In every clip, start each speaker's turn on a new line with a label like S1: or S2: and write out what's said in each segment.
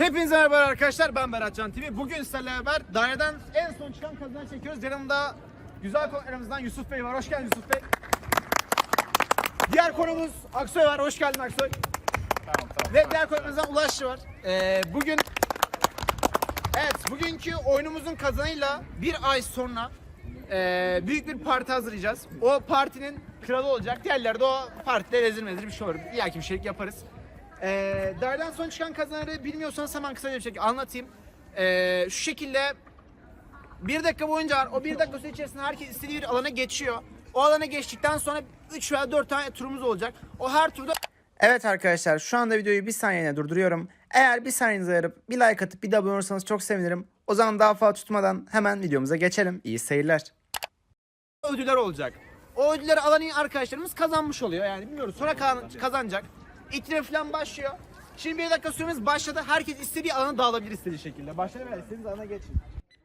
S1: Hepinize merhaba arkadaşlar, ben Berat Can TV. Bugün sizlerle beraber daireden en son çıkan kazanan çekiyoruz. Yanımda güzel konuklarımızdan Yusuf Bey var. Hoş geldin Yusuf Bey. Diğer konumuz Aksoy var. Hoş geldin Aksoy.
S2: Tamam.
S1: Ve diğer konumuzdan Ulaşçı var. Bugünkü oyunumuzun kazanıyla bir ay sonra büyük bir parti hazırlayacağız. O partinin kralı olacak. Diğerleri de o partide rezil mezil bir şey olur. İllaki bir şeylik yaparız. Daireden son çıkan kazanları bilmiyorsanız hemen kısaca bir şekilde anlatayım. Şu şekilde 1 dakika boyunca var. O 1 dakika süre içerisinde herkes istediği bir alana geçiyor. O alana geçtikten sonra 3 veya 4 tane turumuz olacak. O her turda... Evet arkadaşlar, şu anda videoyu bir saniyene durduruyorum. Eğer bir saniyenizi ayırıp bir like atıp bir de abone olursanız çok sevinirim. O zaman daha fazla tutmadan hemen videomuza geçelim. İyi seyirler. Ödüller olacak. O ödülleri alan arkadaşlarımız kazanmış oluyor. Yani bilmiyoruz. Sonra kazanacak. İtire falan başlıyor. Şimdi 1 dakika süremiz başladı. Herkes istediği alana dağılabilir istediği şekilde. Başladı veya istediğiniz alana geçin.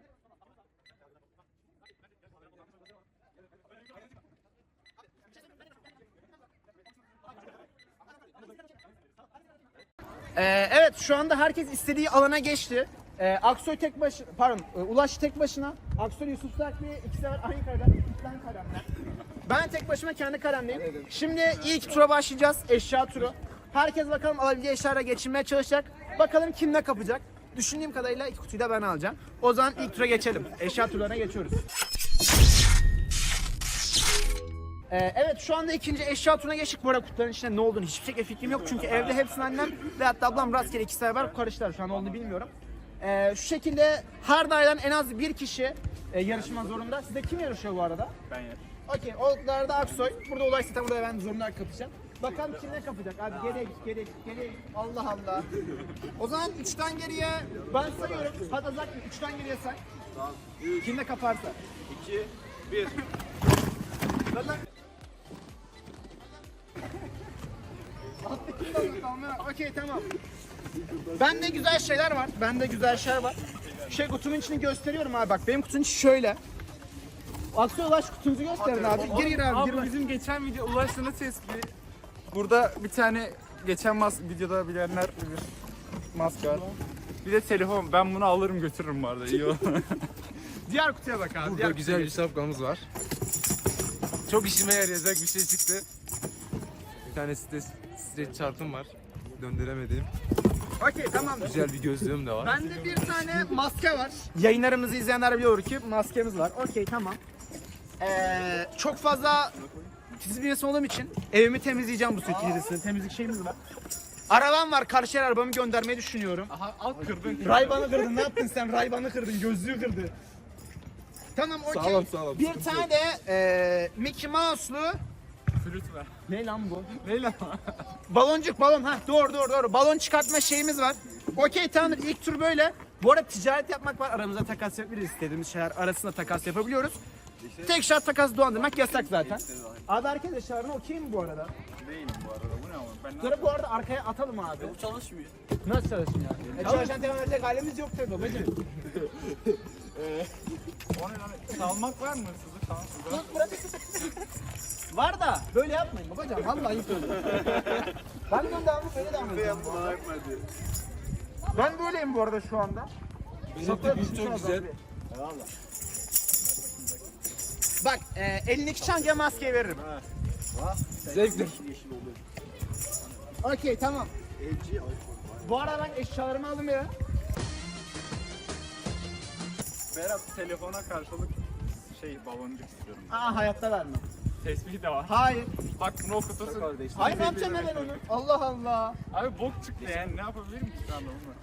S1: Evet, şu anda herkes istediği alana geçti. Aksoy tek başına, Ulaş tek başına. Aksoy, Yusuf Sarklı ikisi var aynı kareden, iki tane kalemler. Ben tek başıma kendi kalemdeyim. Şimdi ilk tura başlayacağız, eşya turu. Herkes bakalım alabileceği eşyalara geçirmeye çalışacak. Bakalım kim ne kapacak. Düşündüğüm kadarıyla ilk kutuyu da ben alacağım. O zaman ilk tura geçelim. Eşya turlarına geçiyoruz. Evet, şu anda ikinci eşya turuna geçtik. Bu arada kutuların içinde ne olduğunu hiçbir şekilde fikrim yok. Çünkü evde hepsini annem ve hatta ablam rastgele ikisi beraber karıştılar. Şu an olduğunu bilmiyorum. Şu şekilde her daireden en az bir kişi yarışma zorunda. Sizde kim yarışıyor bu arada?
S2: Ben yarışıyorum.
S1: Okey, o da Aksoy. Burada Ulaş zaten, burada ben zorunda kapacağım. Bakalım kim ne kapacak? Abi geriye git. Allah Allah. O zaman 3'ten geriye ben sayıyorum. Hadi Azak 3'ten geriye say.
S2: Tamam.
S1: Kim ne kaparsa.
S2: 2, 1.
S1: Okey, tamam. Bende güzel şeyler var. Kutunun içini gösteriyorum abi, bak benim kutunun içi şöyle. Aksoy, Ulaş kutunuzu gösterin abi. Gir abi.
S2: Abi bizim geçen video Ulaş'la tespih. Burada bir tane geçen videoda bilenler bilir. Maske var. Bir de telefon. Ben bunu alırım götürürüm bu arada. İyi olur.
S1: Diğer kutuya bak abi.
S3: Burada güzel bir şapkamız var. Çok işime yarayacak bir şey çıktı. Bir tane streç çarpım var. Döndüremediğim.
S1: Okey, tamam.
S3: Güzel bir gözlüğüm de var.
S1: Bende bir tane maske var. Yayınlarımızı izleyenler biliyor ki maskemiz var. Okey, tamam. Çok fazla titiz bir insan olduğum için evimi temizleyeceğim bu süreçte. Temizlik şeyimiz var. Arabam var. Karşıya arabamı göndermeyi düşünüyorum.
S2: Aha kırdın.
S1: Rayban'ı kırdın. Ne yaptın sen? Rayban'ı kırdın. Gözlüğü kırdı. Tamam, okey.
S3: Sağlam.
S1: Bir tane de Mickey Mouse'lu
S2: Flüt ver.
S1: ne lan bu?
S2: Ne lan?
S1: Balon. Ha, doğru. Balon çıkartma şeyimiz var. Okey, tamamdır. İlk tur böyle. Bu arada ticaret yapmak var. Aramızda takas yapabiliriz. İstediğimiz şeyler arasında takas yapabiliyoruz. Tek şart takas dolandırmak yasak zaten. Abi herkes eşyalarına okey mi bu arada?
S2: Değilim bu arada. Bu ne ama? Ben
S1: Bunları bu arada arkaya atalım abi.
S2: Bu çalışmıyor.
S1: Nasıl çalışmıyor? Çalışan devam edecek halimiz yok tabii babacığım.
S2: O ne lan? Salmak var mı hırsızlık? Tamam.
S1: Var da böyle yapmayın babacığım. Vallahi ayıp öyle. Ben de devamlı böyle devam ediyorum. Ben böyleyim bu arada şu anda.
S3: Benim tipim çok güzel.
S1: Bak, elindeki çantaya maskeyi veririm.
S3: Zevkli.
S1: Okey, tamam. Bu arada ben eşyalarımı aldım ya.
S2: Berat, telefona karşılık baloncuk istiyorum.
S1: Hayatta vermem.
S2: Tespihi de var.
S1: Hayır.
S2: Bak bunu okutursun.
S1: Hayır, ne yapacağım ben onu? Allah Allah.
S2: Abi bok çıktı yani. Ne yapabilirim ki şu anda bunu?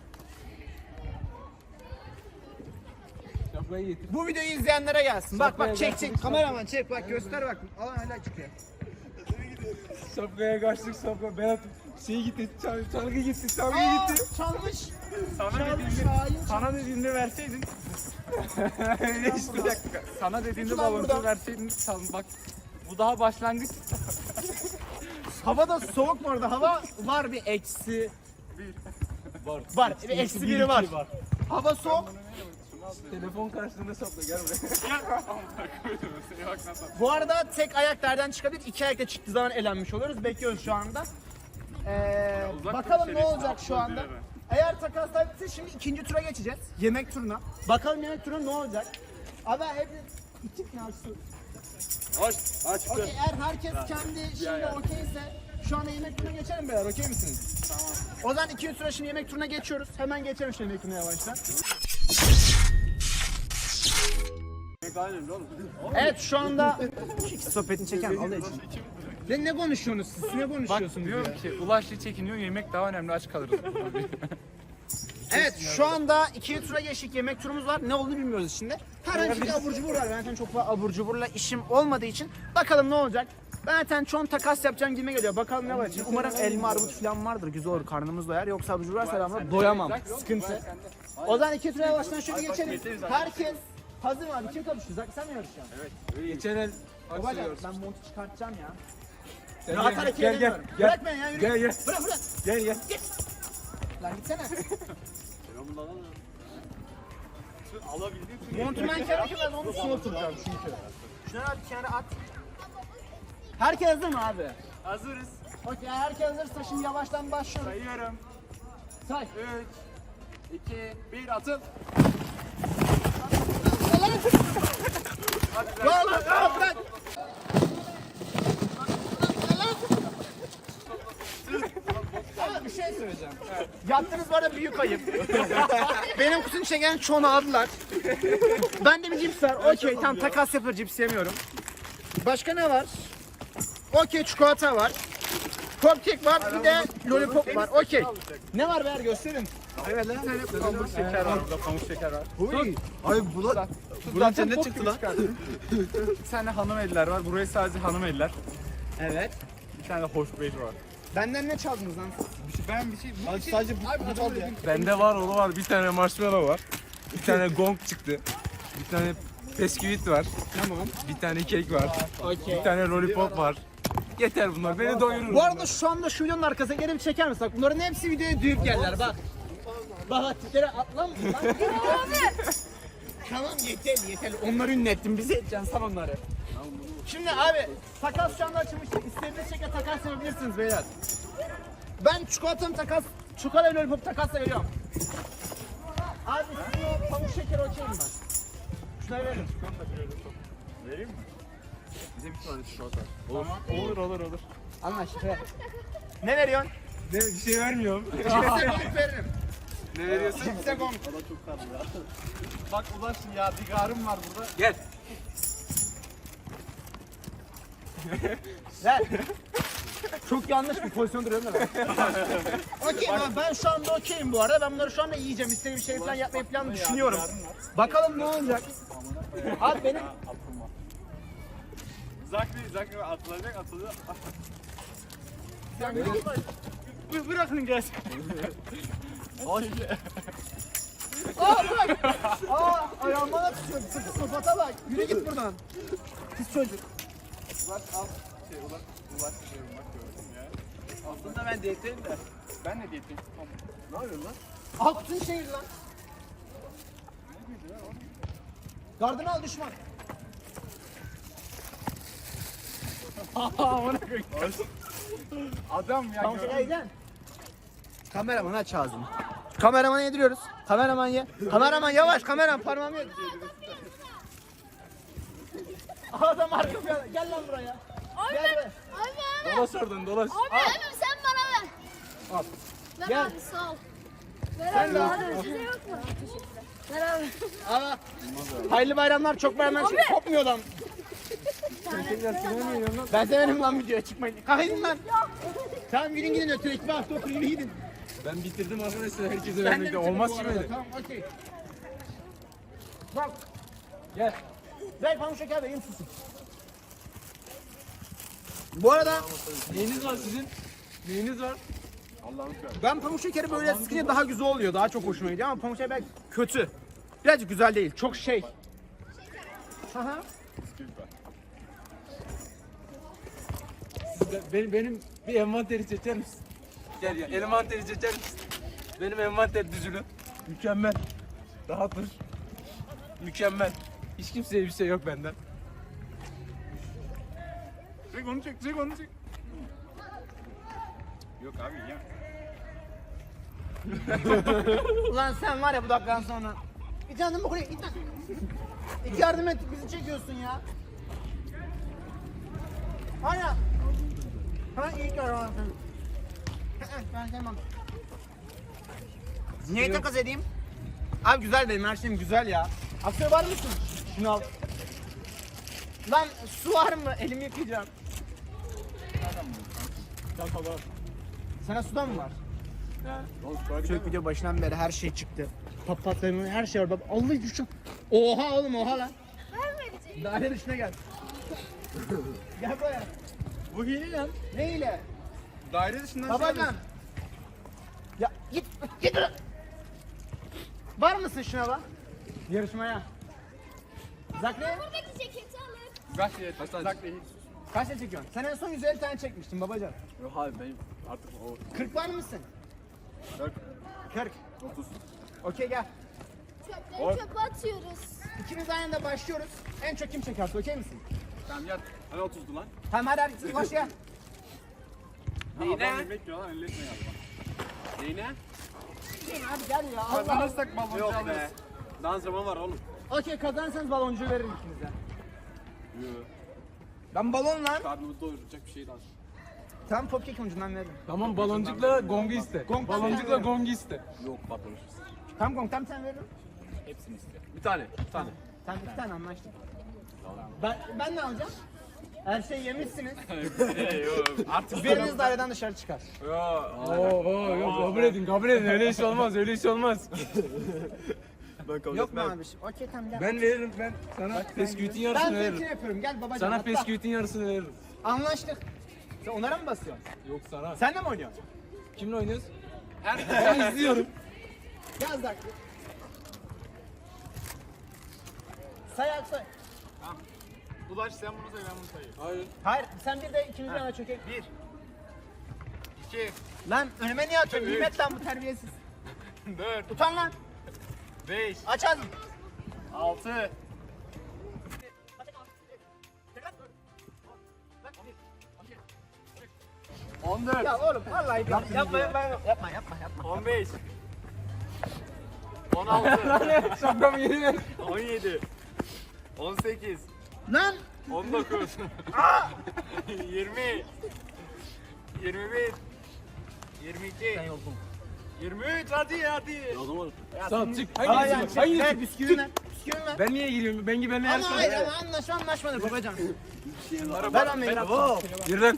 S3: Şapkayı getir.
S1: Bu videoyu izleyenlere gelsin. Bak çek. Kameraman çek, bak göster bak. Alan hala çıkıyor.
S3: Şapkaya kaçtık şapka. Berat gitti. Çalgı gitti.
S1: Çalmış.
S2: Sana dediğinde verseydin. Bir dakika. Sana dediğinde
S1: Lütfen
S2: baloncu
S1: buradan.
S2: verseydin. Bak bu daha başlangıç.
S1: Havada soğuk mu orada? Hava var, bir eksi. Var. Bir eksi biri var. Hava soğuk.
S3: Telefon karşılığında şapka gel buraya.
S1: Bu arada tek ayak nereden çıkabilir? 2 ayakta çıktığı zaman elenmiş oluyoruz. Bekliyoruz şu anda.
S2: Uzak
S1: Bakalım
S2: dur
S1: ne olacak
S2: şerefsiz,
S1: şu anda.
S2: atla
S1: Eğer takaslar bitse şimdi ikinci tura geçeceğiz. Yemek turuna. Bakalım yemek turuna ne olacak? Abi hep içtik mi açtı?
S3: Aç.
S1: Okey, eğer herkes kendi şimdi okeyse şu anda yemek turuna geçelim beyler, okey misiniz? Tamam. O zaman ikinci tura şimdi yemek turuna geçiyoruz. Hemen geçelim şimdi yemek turuna yavaştan. Evet şu anda sohbetini çeken Allah için. Ne konuşuyorsunuz siz? Ne
S2: Bak
S1: konuşuyorsunuz
S2: diyorum
S1: ya?
S2: ki Ulaş'la çekiniyor, yemek daha önemli, aç kalırız.
S1: Evet şu anda ikinci tura geçtik, yemek turumuz var. Ne olduğunu bilmiyoruz şimdi. Herhangi bir abur cubur var. Ben zaten çok fazla abur cuburla işim olmadığı için bakalım ne olacak. Ben zaten çoğun takas yapacağım gibi geliyor. Bakalım ne var için. Umarım elma, armut falan vardır. Güzel olur, karnımız doyar. Yoksa abur cubur varsa ben buna doyamam. Sıkıntı. O zaman ikinci tura yavaştan şöyle geçelim. Herkes hazır mı abi? Kim kapışacak? Sen mi yarışacaksın? Evet.
S3: Geçen el
S1: Babacım ben montu çıkartacağım ya.
S3: Sen
S1: Rahat hareket edemiyorum. Bırak beni ya, yürü.
S3: Gel.
S1: Bırak.
S3: Gel.
S1: Lan gitsene.
S3: Alabildiğin
S1: Montumu ben kendi ben onu soğutacağım çünkü. Şuna bir kenara at. Herkes hazır mı abi?
S2: Hazırız.
S1: Okey, herkes hazırsa şimdi yavaştan başlıyorum.
S2: Sayıyorum.
S1: Say.
S2: 3, 2, 1, atın.
S1: Bırak. Ama bir şey söyleyeceğim. Yaptığınız bu arada büyük ayıp. Benim kutusunu çeken çoğunu aldılar. Bende bir cips var. Okey tamam, takas yapar, cips yemiyorum. Başka ne var? Okey, çikolata var. Cupcake var, bir de lollipop var. Okey. Ne var beyler, gösterin.
S2: Evet lan. Pamuk şeker var burada, pamuk şeker var.
S3: Ay Bulan cennet çıktı lan.
S2: Bir tane hanım eller var. Burayı sadece hanım eller.
S1: Evet.
S2: Bir tane de hoş beş var.
S1: Benden ne çaldınız lan?
S2: Ben bir şey...
S3: Sadece bu çaldı ya.
S2: Bende var, o var. Bir tane marshmallow var. Bir tane gong çıktı. Bir tane bisküvit var.
S1: Tamam.
S2: Bir tane kek var.
S1: Okey.
S2: Bir tane lollipop var. Yeter bunlar. Beni doyurur.
S1: Bu arada şu anda şu videonun arkasına gelip çeker misin? Bak bunların hepsi videoya duyup geldiler bak. Bak tiplere atlam. Tamam yeter. Onları ünlettim. Bizi edeceksin sen onları. Şimdi abi takas şu anda açılmıştır. İstediğiniz şekilde takas yapabilirsiniz beyler. Ben çikolata ve lollipop takasla veriyorum. Abi sizin o pamuk şeker okeyim ben. Şuna verin.
S2: Vereyim mi?
S3: Bize bir tane çikolata.
S2: Olur.
S1: Anlaştık ver. Ne veriyorsun?
S2: Ne, bir şey vermiyorum.
S1: Cipse gong veririm.
S2: Ne veriyorsun?
S1: Cipse gong.
S3: Çok tatlı ya. Bak Ulaş ya, bir garım var burada.
S2: Gel.
S1: Ver. Çok yanlış bir pozisyon duruyorum da ben. Okey ben şu anda okeyim bu arada. Ben bunları şu anda yiyeceğim. İstediğim bir şey falan yapmayı falan düşünüyorum. Bakalım ne olacak. Abi benim...
S2: Zakri atılacak.
S1: Bırakın gelsin.
S3: Hoş.
S1: Bırak. Ayağıma da tutuyor. Sıfata bak. Yürü git buradan. Pis çocuk.
S2: Ulaş al. Ulaş diyorum bak gördüm ya.
S3: Aslında ben diyetteyim de.
S2: Ben de diyetteyim.
S3: Ne yapıyorsun lan?
S1: Altın şehir lan. Gardını al düşman.
S2: Adam ya.
S1: Tamam gel. Kameraman aç ağzını. Kameramanı yediriyoruz. Kameraman ye. Kameraman yavaş, kameraman parmağımı ye. Adam arka plana. Gel lan buraya. Gel buraya.
S4: Abi.
S2: Dolaş oradan dolaş.
S4: Abi sen bana ver.
S1: Al.
S4: Ver
S1: Gel.
S4: abi sağ ol. Ver
S1: Sen
S4: abi.
S1: de al.
S4: Hadi size yok mu? Teşekkürler. Ver abi.
S1: Aa, hayırlı bayramlar, çok bayramlar. Şey, kopmuyor lan. Ben severim lan videoya çıkmayın. Kalkın lan. Tamam yürüyün gidin ötürü. Bir hafta oturun yürü gidin.
S2: Ben bitirdim arkadaşlar, herkese
S1: Ben de
S2: vermekte.
S1: bitirdim
S2: Olmaz
S1: bu
S2: ki
S1: arada.
S2: böyle.
S1: Tamam okey. Bak. Gel. Ver pamuk şeker vereyim susun. Bu arada
S3: Neyiniz var sizin? Neyiniz var?
S1: ben pamuk şekeri böyle sıkınca daha güzel oluyor. Daha çok hoşuma gidiyor ama pamuk şeker belki kötü. Birazcık güzel değil. Çok şey. Aha.
S3: Benim bir envanteri çeker misin? Gel ya, envanteri çeker misin? Benim envanter düzülü. Mükemmel. Rahat dur. Mükemmel. Hiç kimseye bir şey yok benden.
S2: Çek onu çek. Yok abi ya.
S1: Ulan sen var ya bu dakikadan sonra. Git yardım mı buraya git lan. Git yardım et bizi çekiyorsun ya. Hala. Ha iyi karar. Ben sevmem. Niye takas edeyim? Abi güzel benim her şeyim güzel ya. Aksiyonu var mısın? Şunu al. Lan su var mı? Elimi yıkayacağım. Sana sudan mı var? Çocuk video başından beri her şey çıktı. Papatlarımın her şey var. Bak Allah düşün. Oha oğlum oha lan.
S4: Vermeyecek.
S1: Daire dışına gel. Gel buraya.
S2: Bu hile lan.
S1: Ne ile?
S2: Daire dışından
S1: Babacan. Ya git git. Var mısın şuna bak? Yarışmaya. Zakre
S4: Buradaki ceketi alır.
S2: Kaç şey? Kaç değil.
S1: kaç tane çekiyorsun? Sen en son 150 tane çekmiştin babacan.
S2: Yok abi benim artık o
S1: 40 var mısın?
S2: 40,
S1: 40.
S2: 30.
S1: Okey gel.
S4: Çöpleri çöpe atıyoruz.
S1: İkimiz aynı anda başlıyoruz. En çok kim çekerse okey misin?
S2: Tamam gel. Hani 30'du lan.
S1: Tamam hadi başla.
S2: Neyine? Adam yemek yiyor lan elletme ya. Neyine?
S1: Hadi gel ya Allah.
S2: Kazanırsak baloncu
S3: Yok
S2: alırız.
S3: be. Dans zaman var oğlum.
S1: Okey kazanırsanız baloncuğu veririm ikinize.
S2: Yok.
S1: Ben balon lan.
S2: Karnımızı doyuracak bir şey lazım.
S1: Tam popkek ucundan veririm.
S3: Tamam baloncukla gongu iste.
S1: Gong
S3: Baloncukla gongu iste.
S2: Yok patlamışız.
S1: Tam gong tam sen veririm.
S2: Hepsini iste.
S3: Bir tane. Bir tane.
S1: Tam iki tane anlaştık. Ben ne alacağım? Her şeyi yemişsiniz.
S2: Yok. Artık
S1: Biriniz daireden dışarı çıkar.
S3: Oo yok kabul edin kabul edin öyle iş olmaz öyle iş olmaz.
S1: Yok mu abi? Okey tamam gel.
S3: Ben veririm ben sana pesküvitin
S1: Ben
S3: yarısını
S1: seninkini
S3: veririm.
S1: yapıyorum. Gel babacığım.
S3: Sana
S1: atla.
S3: pesküvitin yarısını veririm.
S1: Anlaştık. Sen onlara mı basıyorsun?
S3: Yok sana.
S1: Sen de mi oynuyorsun?
S3: Kimle oynuyoruz? Ben izliyorum.
S1: Yaz dakika. Say at say.
S2: Ulaş sen bunu say ben bunu sayayım.
S3: Hayır.
S1: Hayır sen bir de ikinci yana çökek.
S2: 1 2
S1: Lan önüme niye atıyorsun? Nimet lan bu terbiyesiz.
S2: 4
S1: Utan lan.
S2: 5
S1: Aç ağzını.
S2: 6 14
S1: Ya oğlum vallahi yapma yapma.
S2: 15 16
S3: Şapkamı geri ver.
S2: 17 18
S1: Lan
S2: 19 20 21 22 23 hadi.
S3: Tamam çık.
S1: Aa,
S3: Hangisi?
S1: yani,
S3: Hangisi?
S1: ver bisküvini ver. Bisküvini ver.
S3: Ben niye giriyorum? Ben benimle
S1: Ama
S3: yarışma.
S1: hayır ama anlaşmadık babacan. Ver lan beni.
S3: Yürü lan.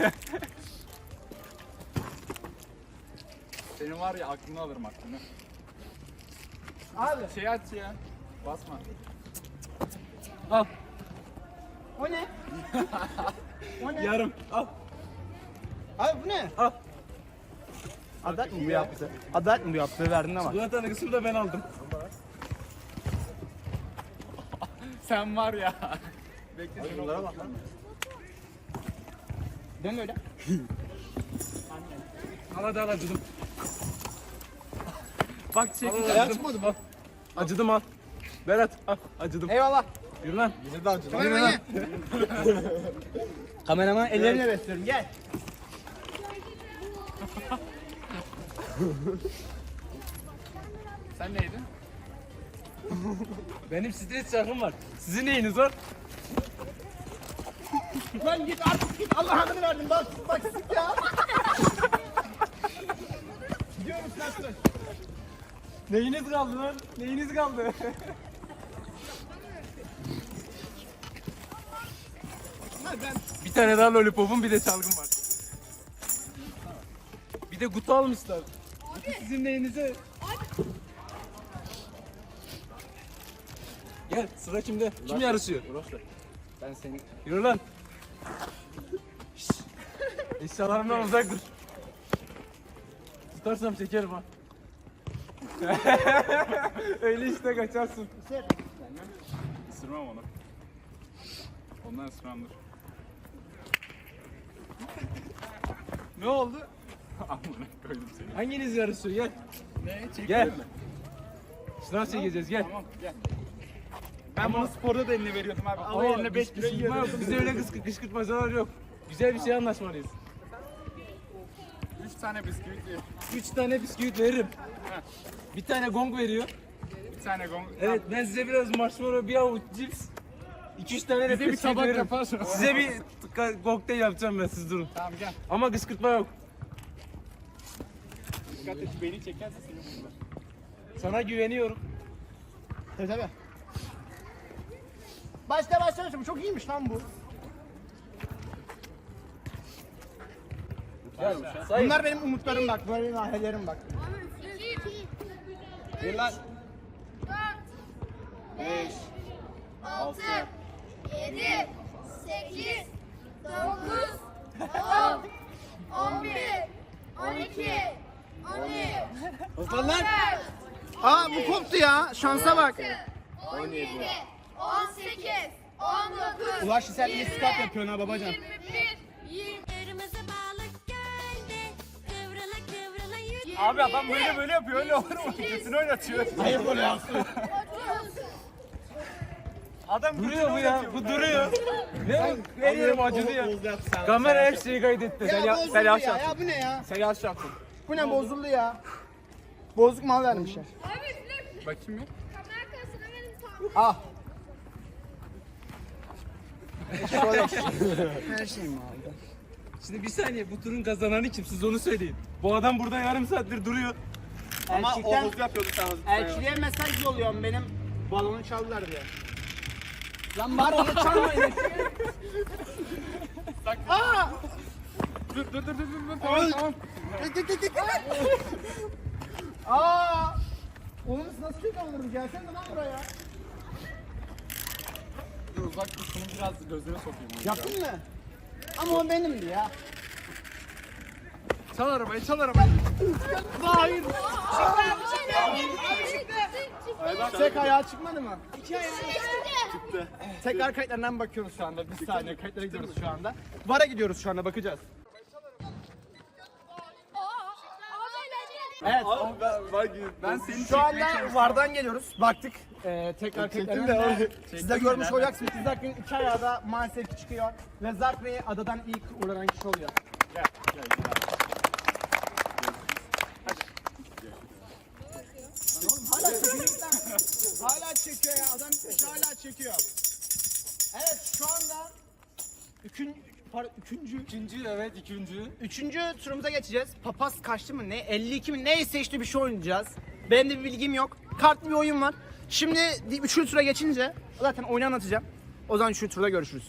S2: Senin var ya aklını alırım aklını.
S1: Abi
S2: Şey aç ya. Basma.
S3: Al.
S1: o ne? O ne?
S3: Yarım. Al.
S1: Abi bu ne?
S3: Al.
S1: Adalet mi bu yaptı? Adalet mi bu yaptı? Verdin ama.
S3: Bu tane kısmı da ben aldım.
S2: Sen var ya. Bekle şunu.
S1: Bunlara bak lan. Dön öyle.
S3: Al hadi al acıdım. Bak çek.
S1: Açmadı bak.
S3: Acıdım al. Berat al. Acıdım.
S1: Eyvallah.
S3: Yürü lan.
S1: Kameraman gel. Kameraman ellerimle besliyorum gel.
S2: Sen neydin?
S3: Benim stres şarkım var. Sizin neyiniz var?
S1: Lan git artık git. Allah adını verdim. Bak sık ya. Gidiyorum kaçtı.
S3: Neyiniz kaldı lan? Neyiniz kaldı? Bir tane daha lollipopum bir de çalgım var. Bir de kutu almışlar. Kutu sizin neyinize? Gel sıra kimde? Kim yarışıyor?
S1: Ben seni.
S3: Yürü lan. Şşş. Eşyalarımdan uzak dur. Tutarsam çekerim ha. Öyle işte kaçarsın.
S2: Isırmam onu. Ondan ısırmamdır. Ne oldu? Amına koydum seni.
S3: Hanginiz yarışıyor? Gel.
S2: Ne? Çekiyor
S3: Gel.
S2: mu?
S3: Sınav çekeceğiz gel.
S2: Tamam gel. Ben bunu sporda da eline veriyordum abi. Al eline 5 kilo yiyordum.
S3: Bize öyle kışkırtmacalar yok. Güzel bir şey anlaşmalıyız.
S2: tane bisküvit ye.
S3: 3 tane bisküvit veririm. Bir tane gong veriyor.
S2: Bir tane gong.
S3: Evet ben size biraz marshmallow, bir avuç cips, 2-3 tane de
S2: Bize bir
S3: bisküvit
S2: tabak
S3: veririm.
S2: yaparsın.
S3: Size bir kokteyl yapacağım ben, siz durun.
S2: Tamam gel.
S3: Ama kışkırtma yok.
S2: Dikkat et beni çekerse seni vururlar.
S3: Sana güveniyorum.
S1: Tabii. Başlamışım. Çok iyiymiş lan bu.
S3: Sayın.
S1: Bunlar benim umutlarım bak. Böyle benim hayallerim bak.
S4: 2, 3, 4, 5, 6, 7, 8, 9, 10, 11, 12, 13,
S3: Osman lan.
S1: Aa bu koptu ya. Şansa bak.
S4: 17, 18, 19,
S1: Ulaş sen iyi skat yapıyorsun ha babacan.
S4: 21, 20.
S5: Kırmızı balık gölde kıvrıla kıvrıla yürü.
S2: Abi adam böyle yapıyor. Öyle olur mu? Götünü oynatıyor.
S1: Hayır böyle yapsın.
S2: Adam
S3: Duruyor bu ya, bu duruyor. Ne? Veriyorum acıdı ya. Kamera her şeyi kaydetti.
S1: Ya bozuldu ya. Ya bu ne ya?
S2: Sen yaş yaptın.
S1: Bu ne bozuldu ya? Bozuk mal vermişler.
S2: Bakayım bir.
S4: Kamera arkasına verin tam.
S1: Ah. Şöyle. Her şey mi aldı?
S3: Şimdi bir saniye, bu turun kazananı kim? Siz onu söyleyin. Bu adam burada yarım saattir duruyor.
S2: Ama
S1: Elçikten-
S2: o hızlı yapıyordu sen hızlı.
S1: Elçiliğe mesaj yolluyorum benim balonu çaldılar diye. Lan bari onu çalmayın. Aa!
S2: Dur. Tamam.
S1: Aa! Oğlum siz nasıl kek alırım? Gelsene lan buraya.
S2: Dur uzak dur. Şunu biraz gözüne sokayım.
S1: Yaptın mı? Ama o benimdi ya.
S2: Çal arabayı.
S1: Hayır. Tek ayağı çıkmadı mı?
S4: Çıktı.
S1: Tekrar kayıtlarından bakıyoruz şu anda. Bir saniye kayıtlara gidiyoruz şu anda. VAR'a gidiyoruz şu anda bakacağız. Evet.
S2: Ben seni
S1: Şu anda VAR'dan geliyoruz. Baktık. Tekrar kayıtlarından. Siz de görmüş olacaksınız. Zark'ın iki ayağı da maalesef ki çıkıyor. Ve Zark Bey adadan ilk uğranan kişi oluyor.
S2: Gel.
S1: Hala çekiyor. Hala çekiyor ya. Adam hala çekiyor. Evet şu anda üçüncü turumuza geçeceğiz. Papaz kaçtı mı ne? 52 mi? Neyse işte bir şey oynayacağız. Benim de bir bilgim yok. Kartlı bir oyun var. Şimdi üçüncü tura geçince zaten oyunu anlatacağım. O zaman üçüncü turda görüşürüz.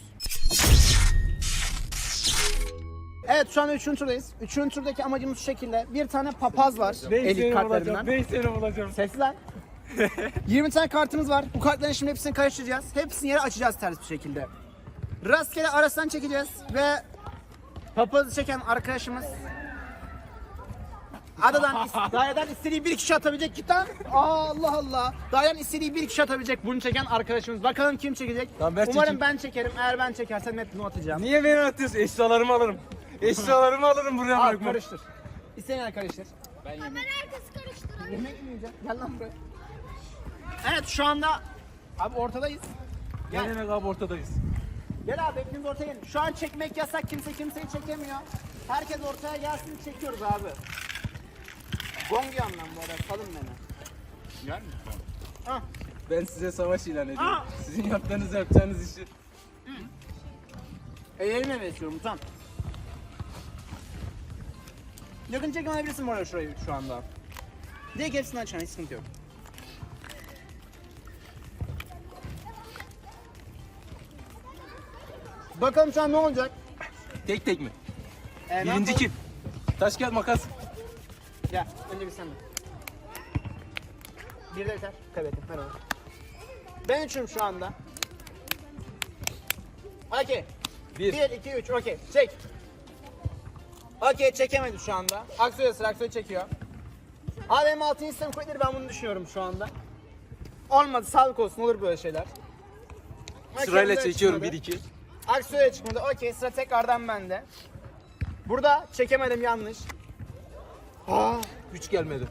S1: Evet şu anda üçüncü turdayız. Üçüncü turdaki amacımız şu şekilde. Bir tane papaz var. Elik kartlarından.
S3: 5 sene bulacağım.
S1: Sesli lan. 20 tane kartımız var. Bu kartların şimdi hepsini karıştıracağız. Hepsini yere açacağız ters bir şekilde. Rastgele arasından çekeceğiz ve papazı çeken arkadaşımız daireden istediği bir kişi atabilecek. Git lan. Allah Allah. Daireden istediği bir kişi atabilecek bunu çeken arkadaşımız. Bakalım kim çekecek.
S3: Tamam, ben
S1: Umarım
S3: çekeyim.
S1: ben çekerim. Eğer ben çekersem hep bunu atacağım.
S3: Niye beni atıyorsun? Eşyalarımı alırım. Eşyalarımı alırım buraya
S1: Al
S3: bırakmam.
S1: karıştır. İsteyen karıştır.
S4: Kamera arkası karıştıralım.
S1: Yemek mi yiyeceğim? Gel lan buraya. Evet şu anda abi ortadayız.
S3: Ne demek abi, ortadayız.
S1: Gel abi hepimiz ortaya gelin. Şu an çekmek yasak. Kimse kimseyi çekemiyor. Herkes ortaya gelsin çekiyoruz abi. Gong yandan bu arada. Salın beni.
S2: Gel mi?
S1: Ah.
S3: Ben size savaş ilan ediyorum.
S1: Aa!
S3: Sizin yapacağınız işi.
S1: Ellerime besliyorum tam. Yakın çekim alabilirsin bu arada şurayı şu anda. Direkt hepsini açan hiç sıkıntı yok. Bakalım şu an ne olacak?
S3: Tek tek mi?
S1: Ne
S3: Birinci
S1: yapalım?
S3: kim? Taş kağıt makas.
S1: Gel önce bir sen de. Bir de yeter. Kaybettim. Merhaba. Ben üçüm şu anda. Okey. 1, 2, 3. Okey. Çek. Okey çekemedim şu anda. Aksoy'a sıra Aksoy çekiyor. Abi benim 6. sistem kuvvetleri ben bunu düşünüyorum şu anda. Olmadı sağlık olsun olur böyle şeyler. Okey,
S3: Sırayla
S1: bu da
S3: çekiyorum
S1: çıkmadı.
S3: 1-2.
S1: Aksoy'a çıkmadı. Okey sıra tekrardan bende. Burada çekemedim yanlış.
S3: Güç gelmedi.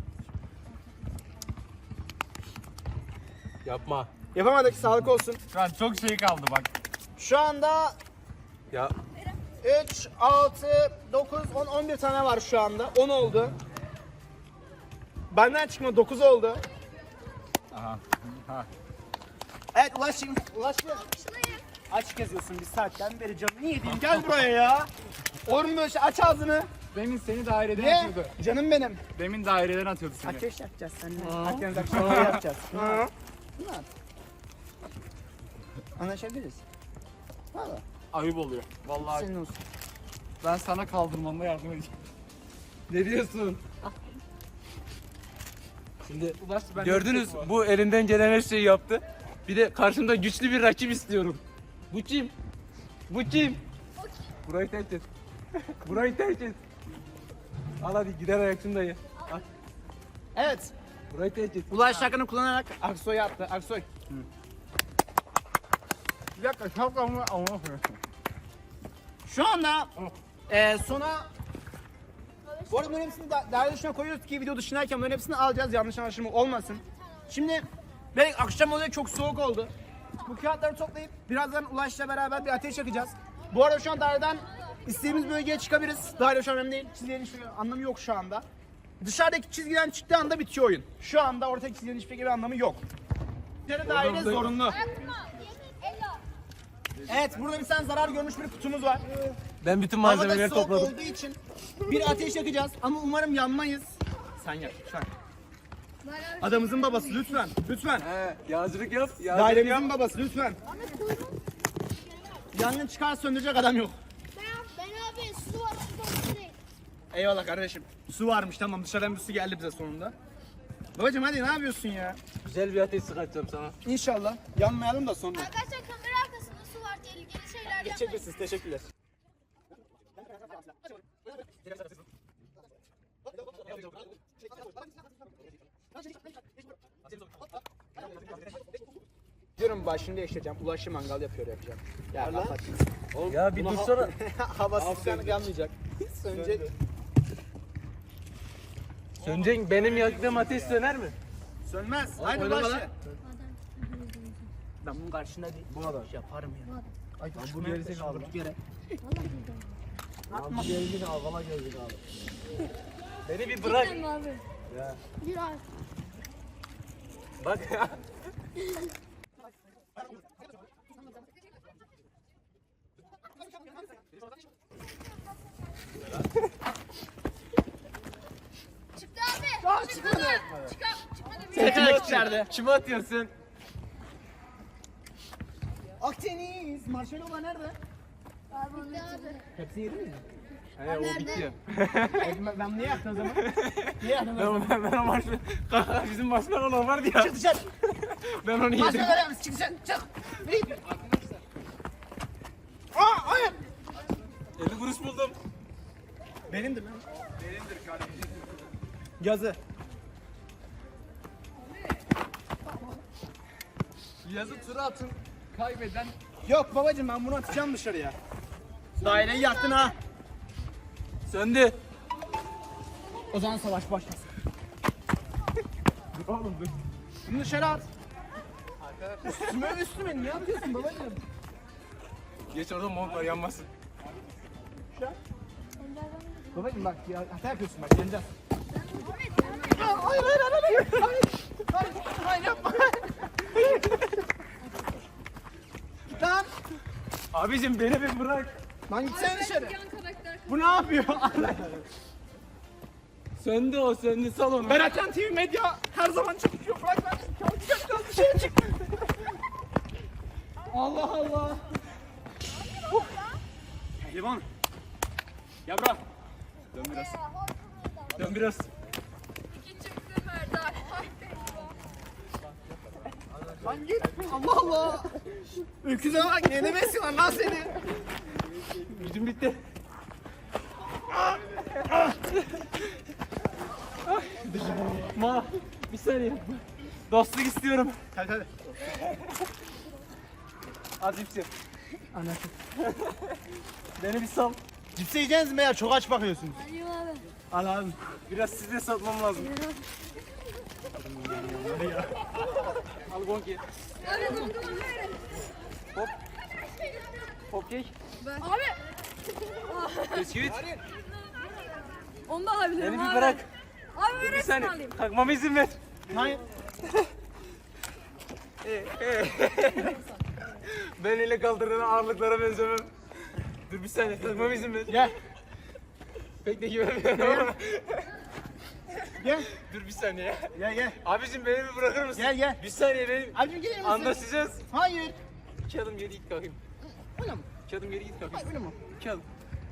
S3: Yapma.
S1: Yapamadık sağlık olsun.
S2: Şu an çok şey kaldı bak.
S1: Şu anda
S3: Ya
S1: 3, 6, 9, 10, 11 tane var şu anda. 10 oldu. Benden çıkma 9 oldu.
S2: Aha. Ha.
S1: Evet Ulaş'ım. Ulaş'ım. Aç geziyorsun bir saatten beri canını yediğim. Gel buraya ya. Olur mu böyle şey? Aç ağzını.
S2: Demin seni daireden
S1: Ne?
S2: atıyordu.
S1: Canım benim.
S2: Demin daireden atıyordu seni.
S1: Ateş yapacağız seninle. Akdeniz akşamları yapacağız. Ne yap? Anlaşabiliriz. Valla.
S2: Ayıp oluyor. Vallahi
S1: Senin olsun.
S2: ben sana kaldırmamda yardım edeceğim.
S3: Ne diyorsun? Şimdi
S2: Ulaş, ben
S3: gördünüz
S2: de-
S3: bu elinden gelen her şeyi yaptı. Bir de karşımda güçlü bir rakip istiyorum. Bu kim? Bu kim? Burayı terk et. Burayı terk et. Al hadi gider ayakçın dayı. Al.
S1: Evet.
S3: Burayı terk et.
S1: Ulaş şarkını kullanarak Aksoy'u attı. Aksoy.
S2: Bir dakika şapkamı ama.
S1: Şu anda sona bu arada bunların hepsini değerli dışına koyuyoruz ki video dışındayken bunların hepsini alacağız, yanlış anlaşılma olmasın. Şimdi belki akşam oluyor, çok soğuk oldu. Bu kağıtları toplayıp birazdan Ulaş'la beraber bir ateş yakacağız. Bu arada şu an daireden istediğimiz bölgeye çıkabiliriz. Daire şu an önemli değil. Çizgilerin hiçbir anlamı yok şu anda. Dışarıdaki çizgiden çıktığı anda bitiyor oyun. Şu anda ortadaki çizgilerin hiçbir anlamı yok. İçeri daire zorunlu. Evet, burada bir tane zarar görmüş bir kutumuz var.
S3: Ben bütün
S1: Havada
S3: malzemeleri
S1: soğuk
S3: topladım.
S1: olduğu için bir ateş yakacağız ama umarım yanmayız. Sen yak lütfen. Adamımızın babası lütfen. Lütfen.
S3: He, yağcılık yap. Yağcılık yap.
S1: Dairemizin babası lütfen. Yangın çıkar söndürecek adam yok.
S4: Ben abi su var su direkt.
S1: Eyvallah kardeşim. Su varmış, tamam, dışarıdan bir su geldi bize sonunda. Babacım hadi ne yapıyorsun ya?
S3: Güzel bir ateş sıkacağım sana.
S1: İnşallah yanmayalım da sonra.
S4: Arkadaşlar kamera arkasında su var tehlikeli şeyler yapmayın.
S1: Geçebilirsiniz, teşekkürler. Diyorum başını değiştireceğim. Ulaşı mangal yapıyor yapacağım. Ya kapat.
S3: Ya bir dursana.
S1: Havasızlıktan yanmayacak. Sönecek.
S3: Sönecek, benim yaktığım ateş söner mi?
S1: Sönmez. Haydi
S3: oynama
S1: ulaşı.
S3: lan.
S1: Ben bunun karşında değil.
S3: Bu adam.
S1: Yaparım ya. Ay
S3: bu gerizekalı.
S1: durduk yere.
S3: Abi geldik abi, valla geldik abi. Beni bir bırak.
S4: Bir ay.
S3: Bak ya.
S4: Çıktı abi. Çıkmadı. Çıkmadı.
S1: Tekrar içeride.
S3: Kime atıyorsun?
S1: Akdeniz. Marshmallow nerede?
S4: Abi bitti abi.
S1: Hepsini yedin mi?
S3: He, o bitti.
S1: Ben niye yaktın o zaman? Niye yaktın o zaman?
S3: Ben o maç... Kanka bizim marshmallow vardı ya.
S1: Çık dışarı.
S3: Ben onu yedim.
S1: Marshmallow ver misin? Çık dışarı. Çık. Nereye? Aa hayır.
S3: 50 kuruş buldum.
S1: Benimdir lan. Benimdir kardeşim. Yazı.
S2: Yazı tura atın. Kaybeden
S1: Yok babacım, ben bunu atacağım dışarıya. Daireyi yaktın ha.
S3: Söndü.
S1: O zaman savaş başlasın.
S3: Oğlum dur.
S1: Bunu dışarı at. Üstüme ne yapıyorsun babacım?
S3: Geç orada mont var, yanmasın.
S1: Babacım bak ya, hata yapıyorsun bak, yeneceğiz. Hayır hayır hayır hayır hayır hayır hayır yapma. Lan
S3: Abicim beni bir bırak.
S1: lan gitsene dışarı. Bu ne yapıyor?
S3: Söndü o, söndü, sal onu.
S1: Beratcan TV Medya her zaman çalışıyor. Bırak ben çalışacağım, dışarı çık. Allah Allah.
S3: Livan. Gel bırak. Dön biraz. Dön biraz.
S1: Lan git. Allah Allah. Öküze bak, ne demesin lan seni.
S3: Gücüm bitti. Ma, bir saniye. Dostluk istiyorum.
S1: Hadi hadi.
S3: Az cipsi.
S1: Anlatın.
S3: Beni bir sal.
S1: Cipsi yiyeceğiniz mi ya? Çok aç bakıyorsunuz.
S4: Hadi abi.
S1: Al abi.
S3: Biraz size satmam lazım. Al gonki. Hop. Hop kek.
S4: Abi.
S3: Bisküvit.
S6: Onu da alabilirim.
S3: Beni bir
S6: abi.
S3: bırak.
S6: Abi
S3: Bir
S6: öğretmen
S3: saniye.
S6: alayım.
S3: Takmama izin ver.
S1: Hayır.
S3: Ben ile kaldırılan ağırlıklara benzemem. Dur bir saniye. Takmama izin ver.
S1: Gel.
S3: Pek de güvenmiyorum.
S1: Gel.
S3: Dur bir saniye.
S1: Gel gel.
S3: Abicim beni bir bırakır mısın?
S1: Gel gel.
S3: Bir saniye benim.
S1: Abicim gelir misin?
S3: Anlaşacağız.
S1: Hayır.
S3: 2 adım geri git kalkayım.
S1: Öyle mi?
S3: 2 adım geri git kalkayım.
S1: Öyle mi?
S3: 2 adım.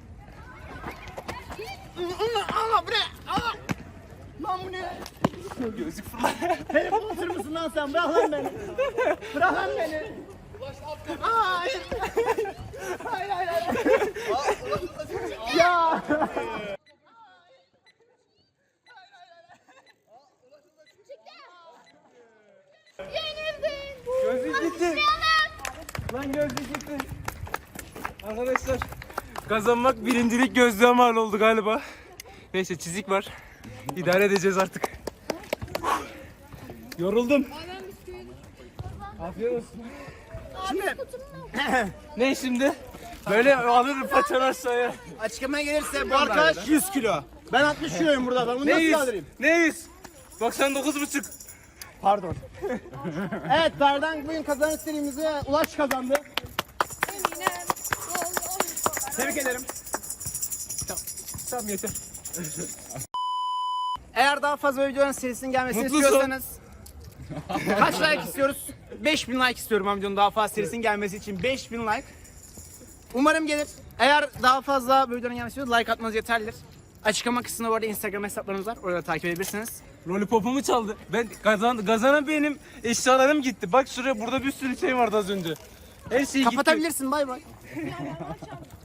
S1: Allah bu ne? Allah. Lan bu ne?
S3: Gözlük fırla.
S1: Telefon atır mısın lan sen? Bırak lan beni. Bırak lan beni. Hayır. Hayır hayır hayır. Ya.
S4: Yenildin.
S3: Gözlük gitti. Lan gözlük gitti. Arkadaşlar kazanmak birincilik gözlüğe mal oldu galiba. Neyse çizik var. İdare edeceğiz artık. Yoruldum. Afiyet olsun.
S1: Şimdi
S3: Ne şimdi? Böyle alırım paçanı aşağıya.
S1: açıklamaya gelirse bu arkadaş 100 kilo. Ben 60 kiloyum burada. Ben bunu
S3: Ne
S1: nasıl
S3: 100?
S1: kaldırayım?
S3: Ne 100? 99,5.
S1: Pardon. Evet, Berdan bugün kazanış serimizi Ulaş kazandı. Tebrik ederim.
S3: Tamam yeter.
S1: Eğer daha fazla videonun serisinin gelmesini
S3: Mutlusun.
S1: istiyorsanız kaç like istiyoruz? 5000 like istiyorum ben videonun daha fazla serisinin gelmesi için. 5000 like. Umarım gelir. Eğer daha fazla bu videonun gelmesi istiyorsanız like atmanız yeterlidir. Açıklama kısmında bu arada Instagram hesaplarımız var. Orada takip edebilirsiniz.
S3: Lollipopumu çaldı. Ben kazanan benim eşyalarım gitti. Bak şuraya burada bir sürü şey vardı az önce. Her şey gitti.
S1: Kapatabilirsin, bay bay.